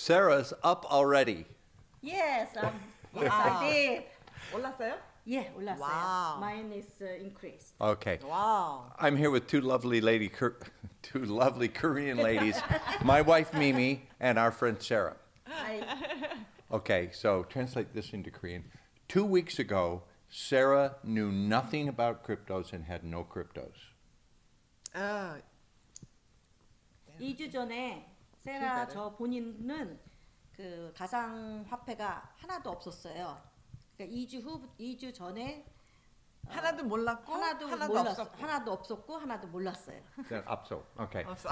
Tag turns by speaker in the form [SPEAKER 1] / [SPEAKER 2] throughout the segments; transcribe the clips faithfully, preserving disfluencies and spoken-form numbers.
[SPEAKER 1] Sarah's up already.
[SPEAKER 2] Yes, um, yes,
[SPEAKER 3] Wow.
[SPEAKER 2] I did.
[SPEAKER 3] 올랐어요?
[SPEAKER 2] Yeah, 올랐어요.
[SPEAKER 3] Wow.
[SPEAKER 2] Mine is uh, increased.
[SPEAKER 1] Okay.
[SPEAKER 3] 와우.
[SPEAKER 1] I'm here with two lovely lady, Kor- two lovely Korean ladies, my wife Mimi and our friend Sarah.
[SPEAKER 2] I,
[SPEAKER 1] Okay, so translate this into Korean. Two weeks ago, Sarah knew nothing about cryptos and had no cryptos.
[SPEAKER 3] 어,
[SPEAKER 2] 이 주 전에 세라 저 본인은 그 가상 화폐가 하나도 없었어요. 그러니까 이 주 후, 이 주 전에
[SPEAKER 3] 하나도 몰랐고
[SPEAKER 2] 하나도,
[SPEAKER 3] 하나도
[SPEAKER 2] 몰랐,
[SPEAKER 3] 없었고.
[SPEAKER 2] 하나도 없었고 하나도 몰랐어요.
[SPEAKER 1] Then upso. Okay.
[SPEAKER 3] 없어.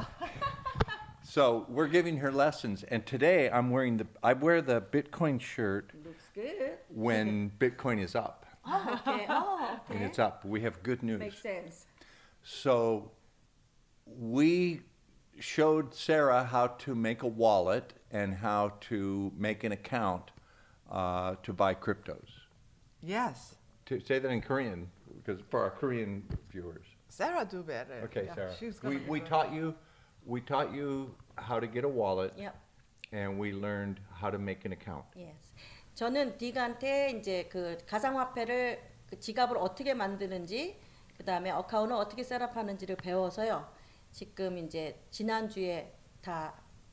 [SPEAKER 1] So we're giving her lessons, and today I'm wearing the I wear the Bitcoin shirt
[SPEAKER 2] Looks good.
[SPEAKER 1] when Bitcoin is up.
[SPEAKER 2] Oh, okay. Oh,
[SPEAKER 1] When
[SPEAKER 2] okay.
[SPEAKER 1] it's up, we have good news.
[SPEAKER 2] Makes sense.
[SPEAKER 1] So we showed Sarah how to make a wallet and how to make an account uh, to buy cryptos.
[SPEAKER 3] Yes.
[SPEAKER 1] To say that in Korean, because for our Korean viewers.
[SPEAKER 3] Sarah do better.
[SPEAKER 1] Okay,
[SPEAKER 3] Yeah,
[SPEAKER 1] Sarah.
[SPEAKER 3] she's
[SPEAKER 1] We,
[SPEAKER 3] gonna
[SPEAKER 1] we
[SPEAKER 3] do
[SPEAKER 1] taught you, we taught you how to get a wallet,
[SPEAKER 2] Yep.
[SPEAKER 1] and we learned how to make an account.
[SPEAKER 2] Yes. 저는 딕한테 이제 그 가상화폐를 그 지갑을 어떻게 만드는지 그 다음에 어카운트를 어떻게 셋업하는지를 배워서요. 지금 이제 지난주에 다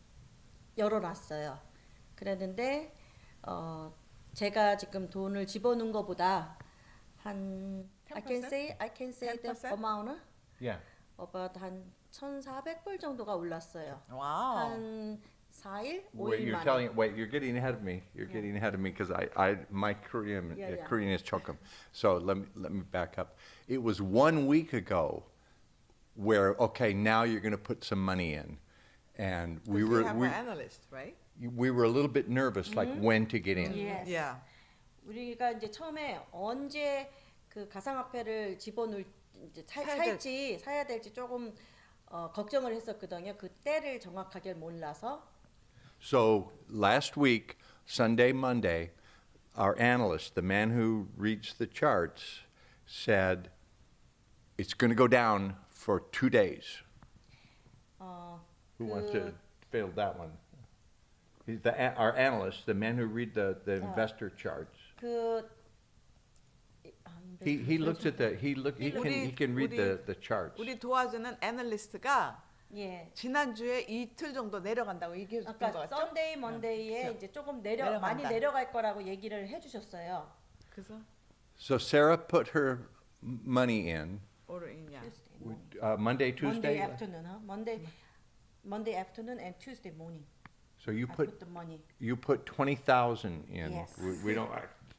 [SPEAKER 2] 열어놨어요. 그랬는데 어 제가 지금 돈을 집어넣은 것보다 한 I can
[SPEAKER 3] ten percent?
[SPEAKER 2] say I can say the
[SPEAKER 3] ten percent?
[SPEAKER 2] amount
[SPEAKER 1] Yeah.
[SPEAKER 2] about 한 천사백 불 정도가 올랐어요.
[SPEAKER 3] 와우.
[SPEAKER 2] 한 사 일,
[SPEAKER 1] Wait,
[SPEAKER 2] 오 일
[SPEAKER 1] you're
[SPEAKER 2] 만에.
[SPEAKER 1] telling, wait, you're getting ahead of me. You're
[SPEAKER 2] Yeah.
[SPEAKER 1] getting ahead of me because I, I, my Korean,
[SPEAKER 2] Yeah,
[SPEAKER 1] uh,
[SPEAKER 2] yeah.
[SPEAKER 1] Korean is chokum. So let me, let me back up. It was one week ago where, okay, now you're going to put some money in. And we
[SPEAKER 3] We
[SPEAKER 1] were,
[SPEAKER 3] have
[SPEAKER 1] we,
[SPEAKER 3] an analyst, right?
[SPEAKER 1] we were a little bit nervous, like when to get in.
[SPEAKER 2] Yes.
[SPEAKER 3] Yeah.
[SPEAKER 2] 우리가 이제 처음에 언제 그 가상화폐를 집어넣을 이제 사,
[SPEAKER 3] 사야 될-
[SPEAKER 2] 살지 사야 될지 조금 어, 걱정을 했었거든요. 그 때를 정확하게 몰라서.
[SPEAKER 1] So last week, Sunday, Monday, our analyst, the man who reads the charts, said it's going to go down for two days.
[SPEAKER 2] 어,
[SPEAKER 1] Who wants
[SPEAKER 2] 그-
[SPEAKER 1] to field that one? He's the, a- our analyst, the man who read the, the
[SPEAKER 2] Uh,
[SPEAKER 1] investor charts.
[SPEAKER 2] 그 아,
[SPEAKER 1] He, he looks at the, he look, he can, he can read the, the charts.
[SPEAKER 3] 우리 도와주는 애널리스트가
[SPEAKER 2] 예.
[SPEAKER 3] 지난주에 이틀 정도 내려간다고 얘기해 줬던 거
[SPEAKER 2] 아까
[SPEAKER 3] 같죠?
[SPEAKER 2] 썬데이 먼데이에
[SPEAKER 3] 그래서
[SPEAKER 2] 이제 조금 내려
[SPEAKER 3] 내려간다.
[SPEAKER 2] 많이 내려갈 거라고 얘기를 해주셨어요.
[SPEAKER 3] 그래서
[SPEAKER 1] So Sarah put her money in,
[SPEAKER 3] 오르이냐.
[SPEAKER 2] Tuesday morning.
[SPEAKER 1] uh, Monday,
[SPEAKER 2] Monday
[SPEAKER 1] Tuesday.
[SPEAKER 2] afternoon, huh? Monday, Monday afternoon and Tuesday morning.
[SPEAKER 1] So you
[SPEAKER 2] I
[SPEAKER 1] put,
[SPEAKER 2] put the money.
[SPEAKER 1] you put twenty thousand in.
[SPEAKER 2] Yes.
[SPEAKER 1] We, we don't,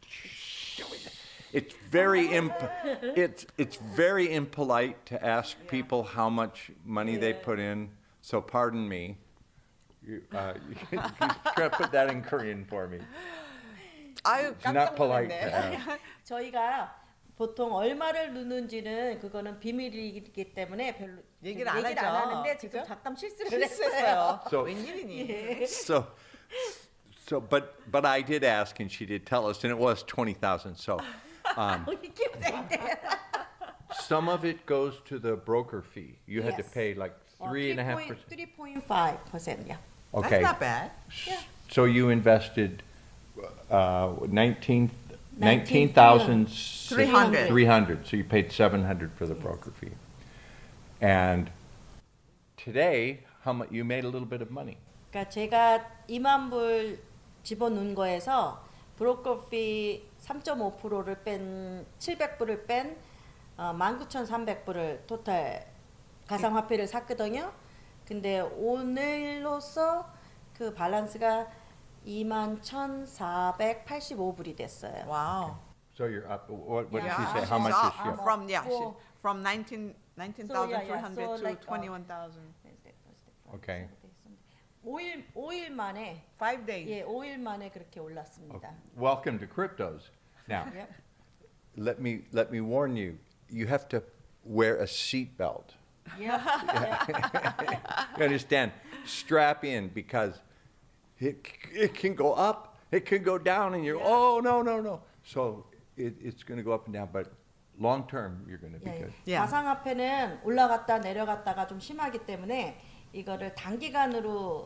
[SPEAKER 1] it's very imp, it's, it's very impolite to ask people how much money they put in. So pardon me. You, uh, you, you try to put that in Korean for me.
[SPEAKER 3] 아유
[SPEAKER 1] It's not
[SPEAKER 3] 깜짝
[SPEAKER 1] polite to
[SPEAKER 3] 놀랐네.
[SPEAKER 1] ask.
[SPEAKER 2] 저희가 보통 얼마를 넣는지는 그거는 비밀이기 때문에 별로
[SPEAKER 3] 얘기를 안
[SPEAKER 2] 얘기를
[SPEAKER 3] 하죠.
[SPEAKER 2] 안 하는데 지금
[SPEAKER 3] 그죠?
[SPEAKER 2] 잠깐 실수를 했어요.
[SPEAKER 3] 실수했어요.
[SPEAKER 1] So-
[SPEAKER 3] 웬일이니?
[SPEAKER 1] So, so, but, but I did ask and she did tell us, and it was twenty thousand. So, um,
[SPEAKER 2] We keep saying that.
[SPEAKER 1] some of it goes to the broker fee. You had to
[SPEAKER 2] Yes.
[SPEAKER 1] pay like three and a half percent.
[SPEAKER 2] three point five percent, yeah.
[SPEAKER 1] Okay.
[SPEAKER 3] That's not bad.
[SPEAKER 2] Yeah.
[SPEAKER 1] So you invested uh, nineteen,
[SPEAKER 2] Nineteen
[SPEAKER 1] nineteen thousand
[SPEAKER 3] Three hundred.
[SPEAKER 1] Three hundred. So you paid seven hundred for the broker fee. And today, how much you made a little bit of money.
[SPEAKER 2] 그러니까 제가 이만 불 집어넣은 거에서 브로커 피 삼 점 오 퍼센트를 뺀 칠백 불을 뺀 어, 만 구천삼백 불을 토탈 가상화폐를 샀거든요. 근데 오늘로써 그 밸런스가 이만 천사백팔십오 불이 됐어요.
[SPEAKER 3] 와우.
[SPEAKER 1] So you're up. What, what
[SPEAKER 2] Yeah,
[SPEAKER 1] did she say?
[SPEAKER 2] she's
[SPEAKER 1] How much
[SPEAKER 2] up.
[SPEAKER 1] is she
[SPEAKER 2] I'm
[SPEAKER 1] up?
[SPEAKER 2] up.
[SPEAKER 3] From yeah, she,
[SPEAKER 2] Well-
[SPEAKER 3] from nineteen nineteen thousand three hundred
[SPEAKER 2] So,
[SPEAKER 3] to
[SPEAKER 2] like, uh,
[SPEAKER 3] twenty one thousand.
[SPEAKER 1] Okay.
[SPEAKER 2] 오 일 오 일 만에
[SPEAKER 3] Five days.
[SPEAKER 2] 예, 오 일 만에 그렇게 올랐습니다.
[SPEAKER 1] Welcome to cryptos. Now,
[SPEAKER 2] Yep.
[SPEAKER 1] let me let me warn you. You have to wear a seat belt.
[SPEAKER 2] Yeah.
[SPEAKER 1] You understand? Strap in because it, it can go up, it can go down, and you're,
[SPEAKER 2] Yeah.
[SPEAKER 1] oh, no, no, no. So it, it's going to go up and down, but long term, you're going to be
[SPEAKER 2] 예, 예.
[SPEAKER 1] good.
[SPEAKER 3] Yeah.
[SPEAKER 2] 가상화폐는 올라갔다 내려갔다가 좀 심하기 때문에 이거를 단기간으로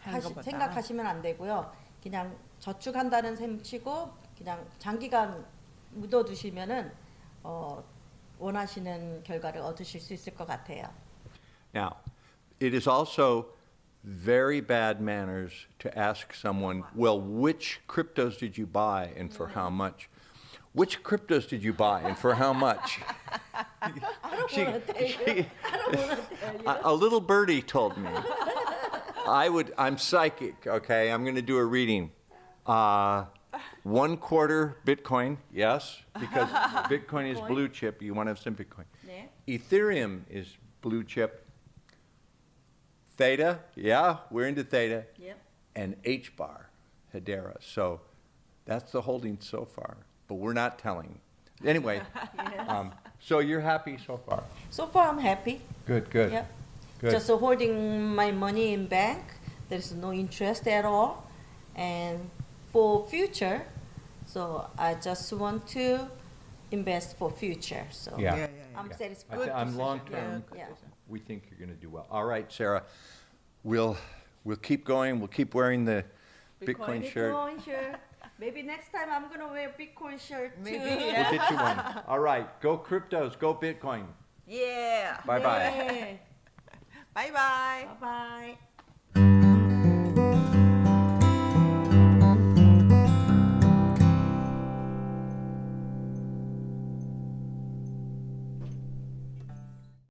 [SPEAKER 2] 하시,
[SPEAKER 3] 것보다.
[SPEAKER 2] 생각하시면 안 되고요. 그냥 저축한다는 셈 치고 그냥 장기간 묻어두시면은 어, 원하시는 결과를 얻으실 수 있을 것 같아요.
[SPEAKER 1] Now, it is also very bad manners to ask someone, well, which cryptos did you buy and for how much? Which cryptos did you buy and for how much?
[SPEAKER 2] I don't want to tell you. I don't want to tell you.
[SPEAKER 1] a, a little birdie told me. I would, I'm psychic, okay? I'm going to do a reading. Uh, one quarter Bitcoin, yes, because Bitcoin is blue chip. You want to have some Bitcoin.
[SPEAKER 2] 네.
[SPEAKER 1] Ethereum is blue chip. Theta, yeah, we're into Theta.
[SPEAKER 2] Yep.
[SPEAKER 1] And H bar, Hedera. So that's the holding so far, but we're not telling. Anyway, um, so you're happy so far?
[SPEAKER 2] So far, I'm happy.
[SPEAKER 1] Good, good.
[SPEAKER 2] Yep.
[SPEAKER 1] Good.
[SPEAKER 2] Just holding my money in bank. There's no interest at all. And for future, so I just want to invest for future. So
[SPEAKER 1] Yeah.
[SPEAKER 3] Yeah, yeah, yeah.
[SPEAKER 2] I'm
[SPEAKER 1] Yeah.
[SPEAKER 2] satisfied.
[SPEAKER 1] I
[SPEAKER 3] Good
[SPEAKER 1] th- I'm
[SPEAKER 3] decision.
[SPEAKER 1] long term.
[SPEAKER 2] Yeah.
[SPEAKER 1] We think you're going to do well. All right, Sarah, we'll we'll keep going. We'll keep wearing the Bitcoin,
[SPEAKER 3] Bitcoin.
[SPEAKER 1] shirt.
[SPEAKER 2] Bitcoin shirt. Maybe next time I'm gonna wear Bitcoin shirt too.
[SPEAKER 3] Maybe,
[SPEAKER 1] We'll
[SPEAKER 3] yeah.
[SPEAKER 1] get you one. All right, go cryptos, go Bitcoin.
[SPEAKER 3] Yeah.
[SPEAKER 1] Bye bye.
[SPEAKER 2] 네.
[SPEAKER 3] Bye bye.
[SPEAKER 2] Bye bye.